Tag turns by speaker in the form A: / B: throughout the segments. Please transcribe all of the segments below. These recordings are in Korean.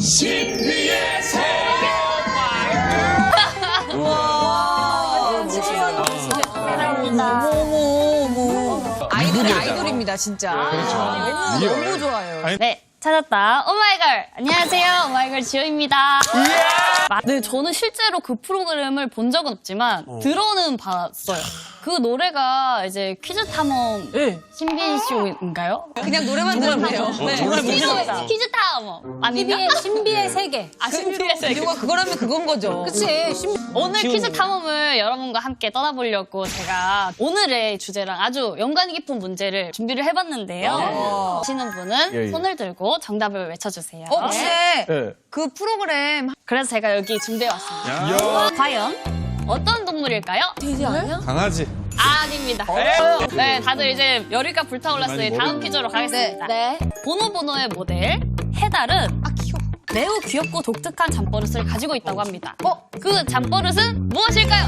A: 신비의 세계.
B: 아이돌입니다, 진짜. 너무 좋아요.
C: 네, 찾았다. 오마이걸. 안녕하세요. 오마이걸 지효입니다. 네, 저는 실제로 그 프로그램을 본 적은 없지만 들어는 봤어요. 그 노래가 이제 퀴즈 탐험 신비의 쇼인가요?
B: 그냥 노래만 들었네요.
C: 정말 모르겠다. 퀴즈 탐험 아닌가?
D: 신비의 세계.
C: 아, 신비의 세계.
B: 이유가 그거라면 그건 거죠.
D: 그치?
C: 오늘 퀴즈 탐험을 여러분과 함께 떠나보려고 제가 오늘의 주제랑 아주 연관 깊은 문제를 준비를 해봤는데요. 아시는 분은 손을 들고 정답을 외쳐주세요.
B: 혹시 그 프로그램
C: 그래서 제가 여기 준비해왔습니다. 과연 어떤 동물일까요?
D: 돼지 아니야?
A: 강아지.
C: 아닙니다. 네, 다들 이제 열의가 불타올랐으니 다음 퀴즈로 가겠습니다.
D: 네.
C: 보노보노의 모델 해달은 매우 귀엽고 독특한 잠버릇을 가지고 있다고 합니다. 그 잠버릇은 무엇일까요?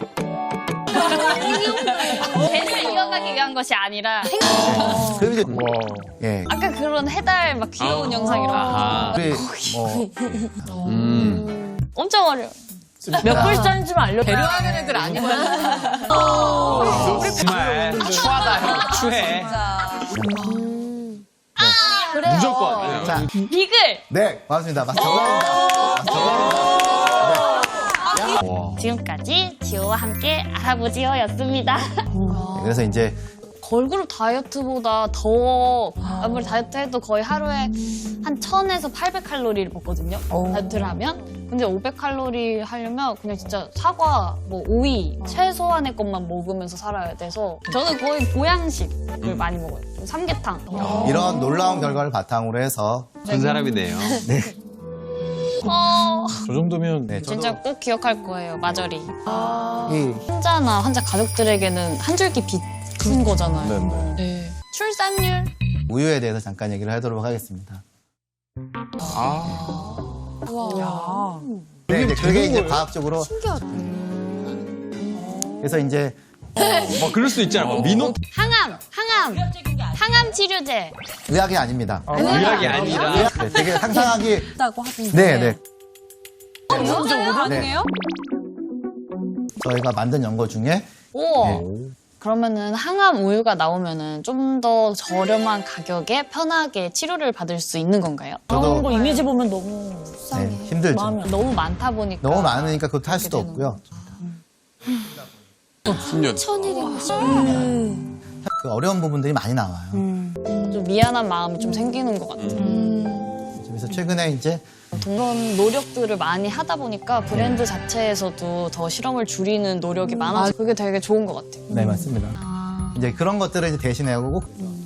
C: 개를 이어가기 위한 것이 아니라
E: 그럼 이제 예.
C: 아까 그런 해달 막 귀여운 영상 이런 거
E: 우리
C: 엄청 어려워.
D: 몇 글자인지만 알려.
B: 배려하는 애들 아니거든.
A: 정말 추하다, 형. 추해.
D: 그래요.
A: 무조건.
E: 자,
C: 비글!
E: 네, 고맙습니다. 정답입니다.
C: 지금까지 지호와 함께 알아보지요였습니다.
E: 그래서 이제
C: 걸그룹 다이어트보다 더 아무리 다이어트 해도 거의 하루에 한 1000에서 800칼로리를 먹거든요. 다이어트를 하면. 근데 500칼로리 하려면 그냥 진짜 사과, 뭐 오이, 최소한의 것만 먹으면서 살아야 돼서 저는 거의 보양식을 많이 먹어요. 삼계탕.
E: 이런 놀라운 결과를 바탕으로 해서
A: 큰 사람이네요. 저 정도면
E: 네, 저도
C: 진짜 꼭 기억할 거예요, 마저리.
E: 이
C: 환자나 환자 가족들에게는 한 줄기 빛인 거잖아요. 네. 출산율.
E: 우유에 대해서 잠깐 얘기를 하도록 하겠습니다. 네, 이제 그게 이제 과학적으로 그래서 이제
A: 뭐 그럴 수 있잖아. 민호
C: 항암 치료제.
E: 의학이 아닙니다.
A: 의학이 아니라.
E: 네, 되게 상상하기
D: 있다고 하던데.
E: 네, 네.
B: 진짜 가능해요?
E: 저희가 만든 연구 중에
C: 우와. 그러면은 항암 우유가 나오면은 좀 더 저렴한 가격에 편하게 치료를 받을 수 있는 건가요?
D: 그런 거
E: 저도
D: 이미지 보면 너무
E: 네, 힘들죠.
D: 마음이
C: 너무 많다 보니까
E: 너무 많으니까 그것도 할 수도 없고요.
A: 10년.
E: 그 어려운 부분들이 많이 나와요.
C: 좀 미안한 마음이 좀 생기는 것 같아요.
E: 그래서 최근에 이제
C: 그런 노력들을 많이 하다 보니까 브랜드 자체에서도 더 실험을 줄이는 노력이 많아서 그게 되게 좋은 것 같아요.
E: 네, 맞습니다. 이제 그런 것들을 이제 대신해오고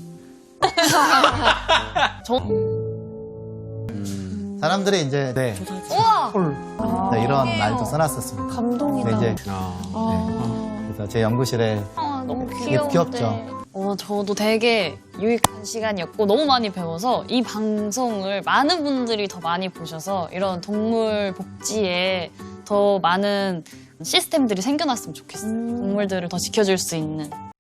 E: 사람들이 이제 네,
C: 우와!
E: 네, 이런 말도 써놨었습니다.
D: 감동이다.
E: 네, 이제 그래서 제 연구실에
C: 너무
E: 되게
C: 귀여운데.
E: 귀엽죠.
C: 저도 되게 유익한 시간이었고 너무 많이 배워서 이 방송을 많은 분들이 더 많이 보셔서 이런 동물 복지에 더 많은 시스템들이 생겨났으면 좋겠어요. 동물들을 더 지켜줄 수 있는.